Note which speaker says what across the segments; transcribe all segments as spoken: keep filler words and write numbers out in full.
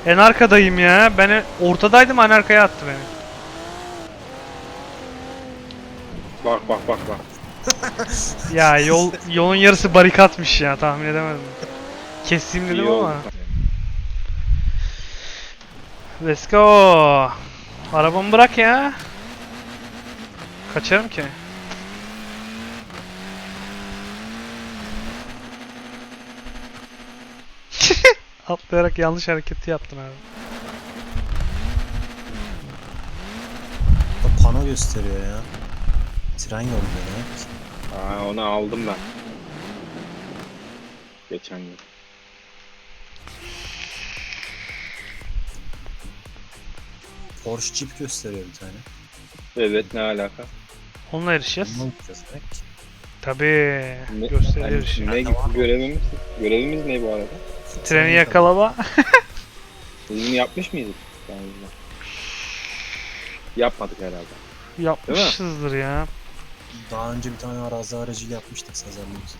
Speaker 1: En arkadayım ya. Ben ortadaydım, en arkaya attı beni.
Speaker 2: Bak bak bak bak.
Speaker 1: Ya yol yolun yarısı barikatmış ya, tahmin edemedim. Keseyim dedim
Speaker 2: İyi oldu.
Speaker 1: ama. Let's go. Arabamı bırak ya. Kaçarım ki. Atlayarak yanlış hareketi yaptın abi.
Speaker 3: Da pano gösteriyor ya. Tren yolu demek.
Speaker 2: Aa, onu aldım ben. Geçen gün.
Speaker 3: Porsche Jeep gösteriyor bir tane.
Speaker 2: Evet, ne alaka?
Speaker 1: Onunla yarışacağız.
Speaker 3: Bunu gideceğiz demek.
Speaker 1: Tabii.
Speaker 2: Ne,
Speaker 1: Gösteriyor.
Speaker 2: yani, ne görevimiz? Görevimiz ne bu arada?
Speaker 1: Treni yakalama.
Speaker 2: Biz yapmış mıydık? Yani yapmadık herhalde.
Speaker 1: Yapmışızdır ya.
Speaker 3: Daha önce bir tane arazi aracıyla yapmıştık Sazer'le.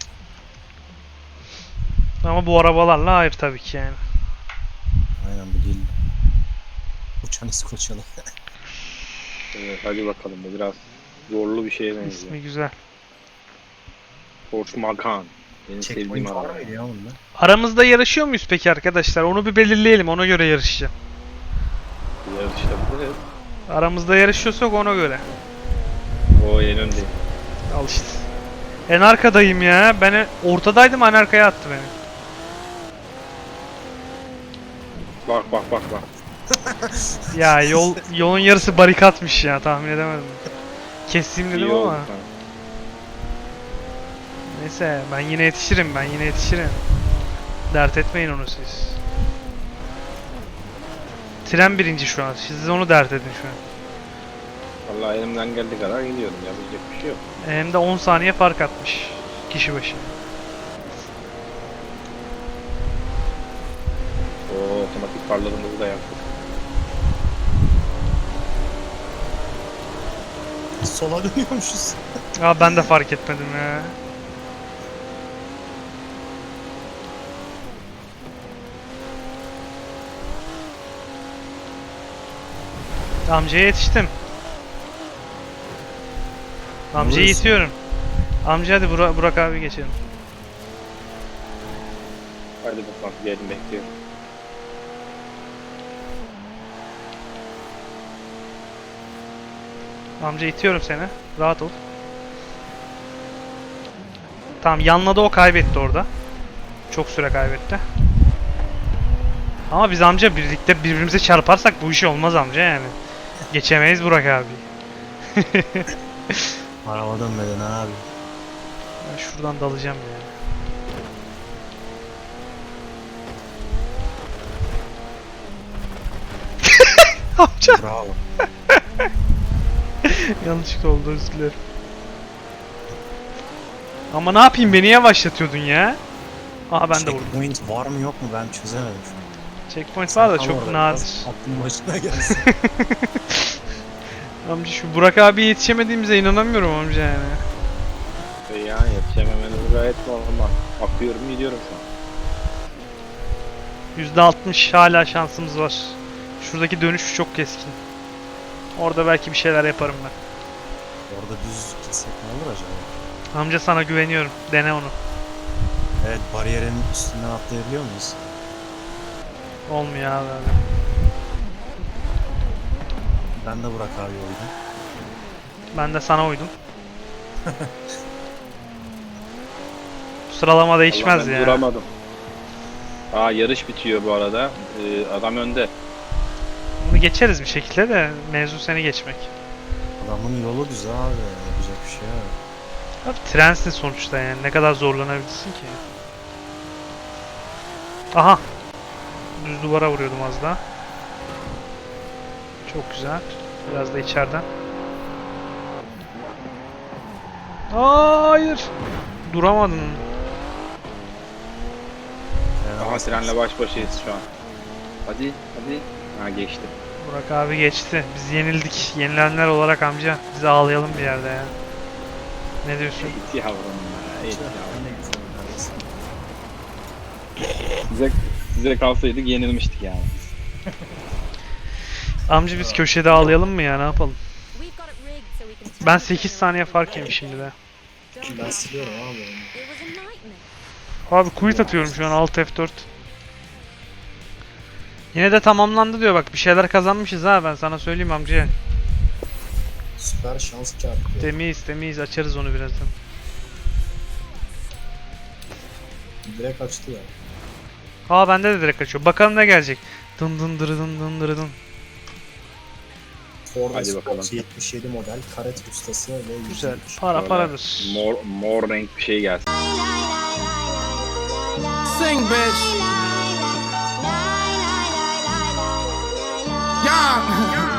Speaker 1: Ama bu arabalarla hayır tabii ki yani.
Speaker 3: Aynen bu değil. Uçan İskoçyalı.
Speaker 2: Evet, hadi bakalım, bu biraz zorlu bir şeye benziyor.
Speaker 1: İsmi güzel.
Speaker 2: Porsche Macan. Benim sevdiğim
Speaker 3: Checkpoint var
Speaker 2: araba.
Speaker 3: mıydı ya bunda?
Speaker 1: Aramızda yarışıyor muyuz peki arkadaşlar? Onu bir belirleyelim, ona göre yarışacağım.
Speaker 2: Yarışta bu.
Speaker 1: Aramızda yarışıyorsak ona göre.
Speaker 2: O en önde.
Speaker 1: Al işte. En arkadayım ya. Ben ortadaydım, en arkaya attı beni.
Speaker 2: Bak bak bak bak.
Speaker 1: Ya yol yolun yarısı barikatmış ya, tahmin edemedim. Keseyim dedim
Speaker 2: İyi oldu
Speaker 1: ama.
Speaker 2: sana.
Speaker 1: Neyse, ben yine yetişirim, ben yine yetişirim. Dert etmeyin onu siz. Tren birinci şu an. Siz onu dert edin şu an.
Speaker 2: Vallahi elimden geldiği kadar gidiyorum. Yapacak bir şey yok.
Speaker 1: Hem de on saniye fark atmış kişi başı.
Speaker 2: O otomatik farlarımızı da yaptık.
Speaker 3: Sola dönüyormuşuz.
Speaker 1: Aa, ben de fark etmedim ya. Amcaya yetiştim. Amcayı
Speaker 3: Vurursun.
Speaker 1: itiyorum. Amca hadi Burak, Burak abi geçelim.
Speaker 2: Hadi bakalım, gelin bekliyorum.
Speaker 1: Amca itiyorum seni. Rahat ol. Tamam, yanladı, o kaybetti orada. Çok süre kaybetti. Ama biz amca birlikte birbirimize çarparsak bu işi olmaz amca yani. Geçemeyiz Burak abi.
Speaker 3: Araba dönmeden abi.
Speaker 1: Ben şuradan dalacağım ya. Amca.
Speaker 3: Bravo.
Speaker 1: Yanlışlıkla oldu, özür dilerim. Ama ne yapayım, beni yavaşlatıyordun ya. Aha, ben de vurdum.
Speaker 3: Checkpoint var mı yok mu ben çözemedim şu an.
Speaker 1: Checkpoint var da
Speaker 3: Tam
Speaker 1: çok
Speaker 3: orada
Speaker 1: nadir.
Speaker 3: biraz aklım başına gelsin.
Speaker 1: Amca şu Burak abiye yetişemediğimize inanamıyorum amca yani.
Speaker 2: Ve yani yetişememeniz gayet normal. Akıyorum gidiyorum şu an.
Speaker 1: yüzde altmış hala şansımız var. Şuradaki dönüş çok keskin. Orada belki bir şeyler yaparım ben.
Speaker 3: Orada düz gitsek ne olur acaba?
Speaker 1: Amca sana güveniyorum. Dene onu.
Speaker 3: Evet, bariyerin üstünden atlayabiliyor muyuz?
Speaker 1: Olmuyor abi öyle.
Speaker 3: Ben de Burak abi oydum.
Speaker 1: Ben de sana uydum. Bu sıralama değişmez
Speaker 2: Allah, ben
Speaker 1: ya.
Speaker 2: duramadım. Aa, yarış bitiyor bu arada. Ee, adam önde.
Speaker 1: Bunu geçeriz bir şekilde de mevzu seni geçmek.
Speaker 3: Adamın yolu düz abi. Yapacak bir şey yok.
Speaker 1: Abi trensin sonuçta yani. Ne kadar zorlanabilirsin ki? Aha. Düz duvara vuruyordum az daha. Çok güzel. Biraz da içeriden. Hayır. Duramadın.
Speaker 3: Yani
Speaker 2: Ama trenle baş başayız şu an. Hadi hadi. Ha, geçti.
Speaker 1: Burak abi geçti. Biz yenildik. Yenilenler olarak amca. Biz ağlayalım bir yerde ya. Ne diyorsun?
Speaker 2: Eğit yavrum ya. Eğit yavrum.
Speaker 3: Ben de gittim neredeyse.
Speaker 2: Size, size kalsaydık yenilmiştik yani.
Speaker 1: Amca biz köşede ağlayalım mı ya, ne yapalım? Ben sekiz saniye fark yemişim şimdi de.
Speaker 3: Ben siliyorum abi onu.
Speaker 1: Abi quit atıyorum şu an, alt F dört. Yine de tamamlandı diyor bak, bir şeyler kazanmışız ha, ben sana söyleyeyim amca.
Speaker 3: Süper şans kağıt.
Speaker 1: Temiz temiz, açarız onu birazdan.
Speaker 3: Direkt açtı ya.
Speaker 1: Aa bende de direkt açıyor. Bakalım ne gelecek. Dın dın dırı dın dın dırı dın.
Speaker 3: Ford
Speaker 2: Hadi
Speaker 3: Escort
Speaker 2: bakalım.
Speaker 3: yetmiş yedi model karet ustası ve
Speaker 1: Güzel.
Speaker 3: yüz yirmi.
Speaker 1: Para
Speaker 2: Böyle
Speaker 1: paradır.
Speaker 2: Mor, mor renk bir şey gelsin.
Speaker 4: Sing, bitch. Yeah.